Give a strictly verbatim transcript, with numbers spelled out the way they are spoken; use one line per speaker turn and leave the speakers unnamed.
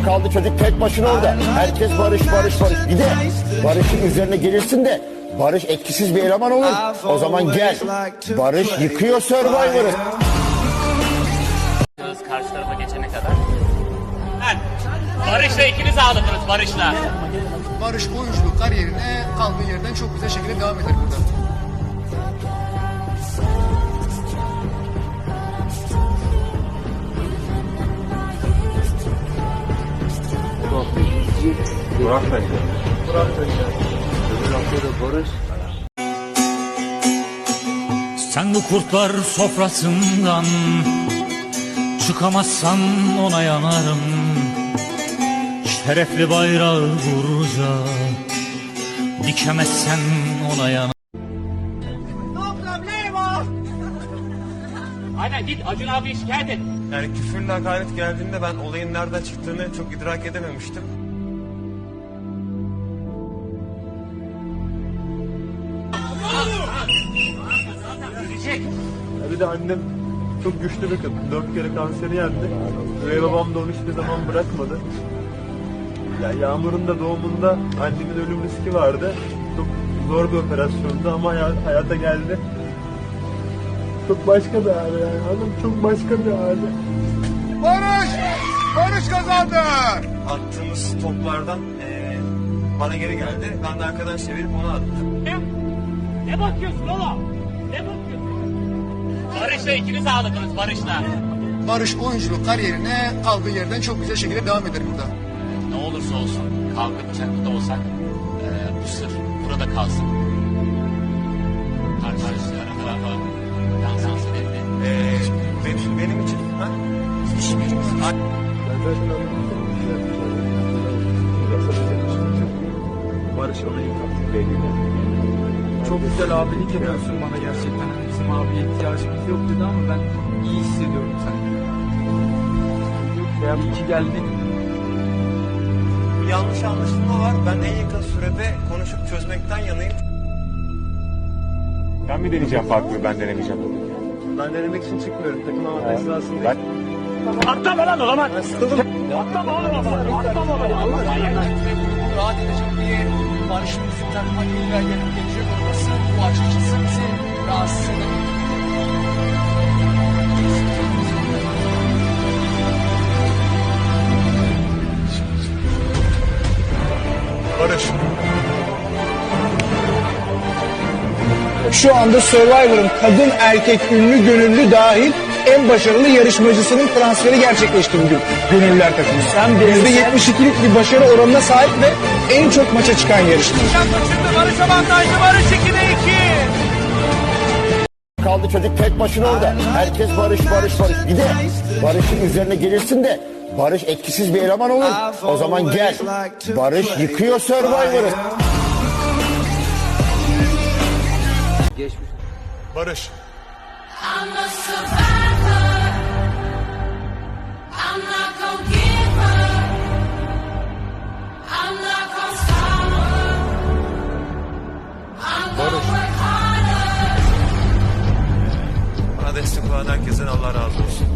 Kaldı çocuk tek başına orada. Herkes barış barış barış. Bir de barışın üzerine gelirsin de barış etkisiz bir eleman olur. O zaman gel. Barış yıkıyor Survivor'ı.
Karşı tarafa geçene kadar. Barış'la ikiniz ağladınız Barış'la.
Barış oyunculuk kariyerine kaldığı yerden çok güzel şekilde devam eder burada.
Burak bence. Burak bence. Öbür haftada Barış.
Sen bu kurtlar sofrasından çıkamazsan ona yanarım. Şerefli bayrağı vurunca dikemezsen ona yanarım.
Aynen git Acun abi şikayet et.
Yani küfürle hakaret geldiğinde ben olayın nereden çıktığını çok idrak edememiştim. Ya bir de annem çok güçlü bir kadın. Dört kere kanseri yendi. Ve babam da onu hiçbir zaman bırakmadı. Ya Yağmur'un da doğumunda annemin ölüm riski vardı. Çok zor bir operasyondu ama hayat, hayata geldi. Çok başka bir hali yani. Hanım çok başka bir hali.
Barış! Barış kazandı!
Attığımız toplardan eee bana geri geldi. Ben de arkadan çevirip onu attım.
Ne bakıyorsun oğlum? Ne bakıyorsun? Barış'la ikiniz ağladınız Barış'la.
Barış oyunculuk kariyerine kaldığı yerden çok güzel şekilde devam eder burada.
Ne olursa olsun kavga bıçaklı da olsak e, bu sır burada kalsın. Karşı tarafa dans edildi.
Eee benim, benim için ha?
Hiçbirimiz.
Ben zaten anlamıştım. Barış ona yıkattık belli.
Çok güzel abilik yapıyorsun bana gerçekten. Hani bizim abiye ihtiyacımız yok dedi ama ben iyi hissediyorum seni. İyi ki geldin.
Bir yanlış anlaşılma var. Ben en yakın sürede konuşup çözmekten yanayım.
Ben mi deneyeceğim farklı, ben denemeyeceğim.
Ben denemek için çıkmıyorum. Takım avantajı esnasında.
Atlama lan o zaman. Atlama oğlum o zaman. Atlama oğlum.
Rahat edecek bir Barış'ın bizim takıma illa gelip gelecek olması bu açıkçası bizi rahatsız eder.
Barış.
Şu anda Survivor'ın kadın erkek ünlü gönüllü dahil en başarılı yarışmacısının transferi gerçekleşti bugün gönüllüler takımı. yüzde yetmiş ikilik bir başarı oranına sahip ve en çok maça çıkan yarışmacı.
Barış avantajlı, Barış ikide iki.
Kaldı çocuk tek başına orada. Herkes barış barış barış. Bir de barışın üzerine gelirsin de barış etkisiz bir eleman olur. O zaman gel. Barış yıkıyor Survivor'ı.
Barış.
I'm a survivor. I'm not gonna give up. I'm not gonna stop. I'm gonna work harder.
Bana destek olan herkesten Allah razı olsun.